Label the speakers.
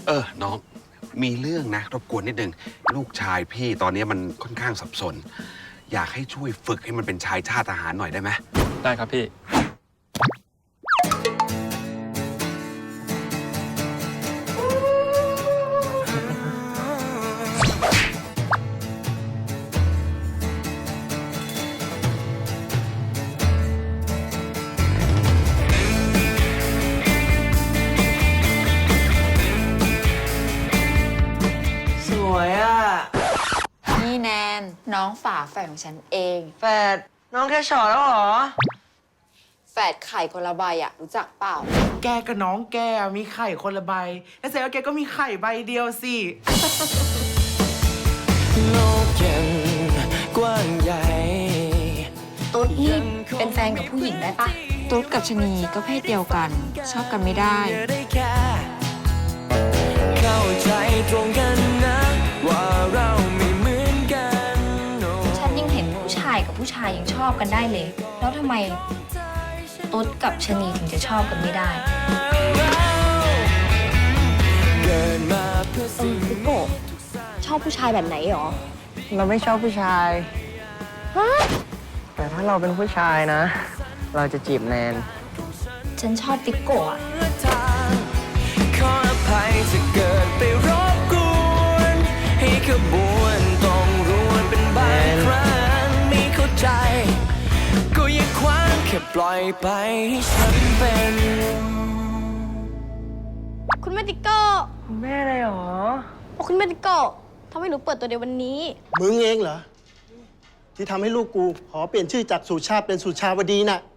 Speaker 1: น้องมีเรื่องนะรบกวนนิดนึงลูกชายพี่ตอนนี้มันค่อนข้างสับสนอยากให้ช่วยฝึกให้มันเป็นชายชาติทหารหน่อยได้ไหม
Speaker 2: ได้ครับพี่
Speaker 3: สวยอ่ะ
Speaker 4: นี่แนนน้องฝาแฝดของฉันเอง
Speaker 3: แฟดน้องแค่ช็อตแล้วเหรอ
Speaker 4: แฝดไข่คนละใบอะรู้จักเปล่า
Speaker 5: แกกับน้องแกมีไข่คนละใบแล้วแสดงว่าแกก็มีไข่ใบเดียวสิ
Speaker 6: โลกยังกว้างใหญ่
Speaker 4: ตุ๊ดนี่เป็นแฟนกับผู้หญิงได้ปะตุ๊ดกับชนีก็เพศเดียวกันชอบกันไม่ได้
Speaker 6: เข้าใจตรงกันนะว่าเราไม่เหมือนกัน
Speaker 7: ฉันยังเห็นผู้ชายกับผู้ชายยังชอบกันได้เลย แล้วทำไมตุ๊ดกับชะนีถึงจะชอบกันไม่ได้
Speaker 6: เกิดมาเพื่อสิ่ง
Speaker 7: พี่โกะชอบผู้ชายแบบไหนหรอ
Speaker 3: เราไม่ชอบผู้ชาย แต่ถ้าเราเป็นผู้ชายนะ เราจะจีบแนน
Speaker 7: ฉันชอบติ๊กโกะอะ
Speaker 6: ทางขออภัยจะเกิดไปรบกวนให้ขบวนต้องรวนเป็นบางครั้งไม่เข้าใจก็อย่าคว้างแค่ปล่อยไปให้ฉันเป็น
Speaker 8: คุณแม่ติ๊กโก้
Speaker 3: แม่เลยเหรอ
Speaker 8: คุณแม่ติ๊กโก้ทำให้หนูเปิดตัวในวันนี้
Speaker 9: มึงเองเหรอ ที่ทำให้ลูกกูขอเปลี่ยนชื่อจากสุชาติเป็นสุชาวดีน่ะ